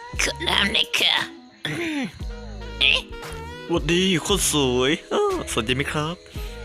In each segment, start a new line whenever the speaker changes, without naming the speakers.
ขอน้ำหน่อยค่ะเอ๊ะ
สวัสดีคนสวยสนใจไหมครับ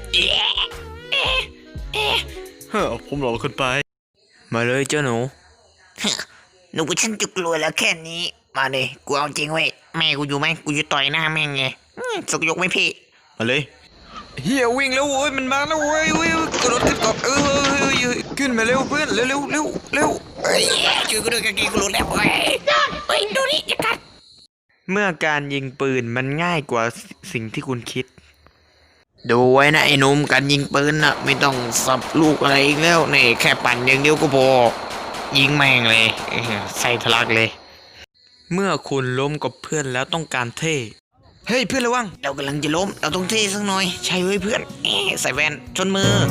ผมหลอกคนไป มาเลยเจ้าหนู
หนูฉันจะกลัวแล้วแค่นี้มาเลยกูเอาจริงเว้ยแม่กูอยู่ไหมกูจะต่อยหน้าแม่งไงสกยกไหมพี่
มาเลยเฮียวิ่งแล้วโว้ยมันมาแล้วโว้ยกระโดดขึ้นก่อนขึ้นมาเร็วเพื่อนเร็ว
เฮ้ยช่วยกูด้วยกางเกงกูหลุดแล้วเฮ้ยดูนี่อย่ากัด
เมื่อการยิงปืนมันง่ายกว่าสิ่งที่คุณคิด ดูไว้นะไอ้หนุ่มการยิงปืนน่ะไม่ต้องสับลูกอะไรอีกแล้วนี่แค่ปั่นอย่างเดียวก็พอยิงแม่งเลยใส่ทะลักเลย เมื่อคุณล้มกับเพื่อนแล้วต้องการเท่เฮ้ยเพื่อนระวัง
เรากำลังจะล้มเราต้องเท่สักหน่อยใช่เว้ยเพื่อนใส่แว่นชนมือ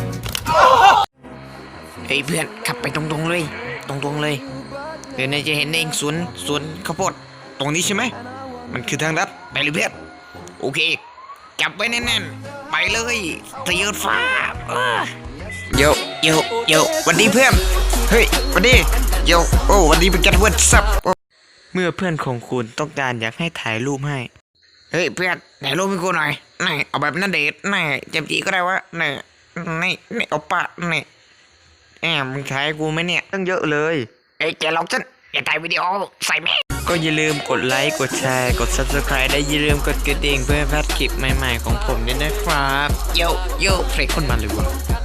เฮ้ยเพื่อนขับไปตรงๆเลยตรงๆเลยเดี๋ยวนายจะเห็นเองสวนข้าวโพดตรงนี้ใช่ไหมมันคือทางลัดไปเลยเพื่อนโอเคจับไว้แน่นๆไปเลยทะเยอฟ้าโยวันดีเพื่อนเฮ้ยวันดีโยโอ้วันดีเป็นกันเวิร์ดซับเมื่อเพื่อนของคุณต้องการอยากให้ถ่ายรูปให้เฮ้ยเพื่อนถ่ายรูปให้กูหน่อยนี่เอาแบบนั่นเดทนี่เจมจีก็ได้วะนี่เอาปะนี่มึงถ่ายกูไหมเนี่ย
ตั้งเยอะเลย
เอ้ยแกลองฉันอย่าถ่ายวิดีโอใส่แม่
ก็อย่าลืมกดไลค์กดแชร์กด Subscribe ได้อย่าลืมกดกระดิ่งเพื่อไม่พลาดคลิปใหม่ๆของผมด้วยนะครับ
โย
เพลงคนมาเลยวะ